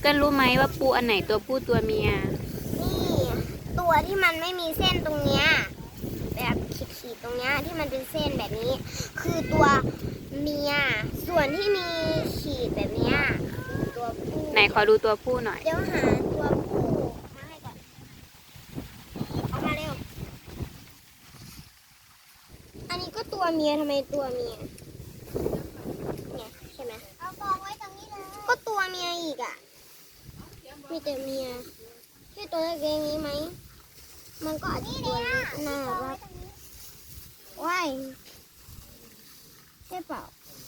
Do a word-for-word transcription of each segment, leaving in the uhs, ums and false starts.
ก็รู้ไหมว่าปูอันไหนตัวผู้ตัวเมียนี่ตัวที่มันไม่มีเส้นตรงเนี้ยแบบขีดๆตรงเนี้ยที่มันเป็นเส้นแบบนี้ คือตัวเมียส่วนที่มีขีดแบบเนี้ยคือตัวผู้ไหนขอดูตัวผู้หน่อยเดี๋ยวหาตัวผู้มาให้ก่อนเอามาเร็วอันนี้ก็ตัวเมียทำไมตัวเมียเนี่ยใช่ไหมเอากองไว้ตรงนี้เลยก็ตัวเมียอีกอ่ะมีแต่เมียแค่ตัวเล็กๆนี้ไหมมันก็อาจจะตัวเล็กน่ารักว้ายใช่เปล่า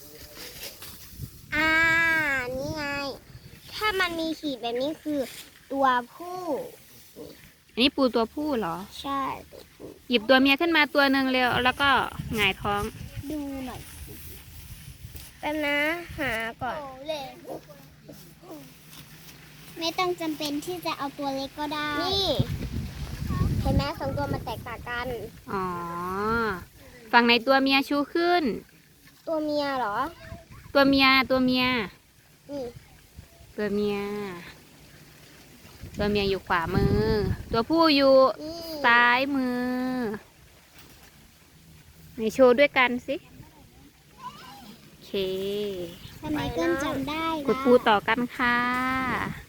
อ่านี่ไงถ้ามันมีขีดแบบนี้คือตัวผู้อันนี้ปูตัวผู้เหรอใช่ตัวผู้หยิบตัวเมียขึ้นมาตัวหนึ่งเร็วแล้วก็หงายท้องดูหน่อยแป๊บนะหาก่อนไม่ต้องจำเป็นที่จะเอาตัวเล็กก็ได้นี่เห็นไหมสองตัวมันแตกต่างกันอ๋อ ฝั่งไหนตัวเมียชูขึ้นตัวเมียเหรอตัวเมียตัวเมียนี่ตัวเมีย ตัวเมียอยู่ขวามือ ตัวผู้อยู่นี่ซ้ายมือไหนโชว์ด้วยกันสิ โอเคทำไมเกินจำได้กดปูต่อกันค่ะ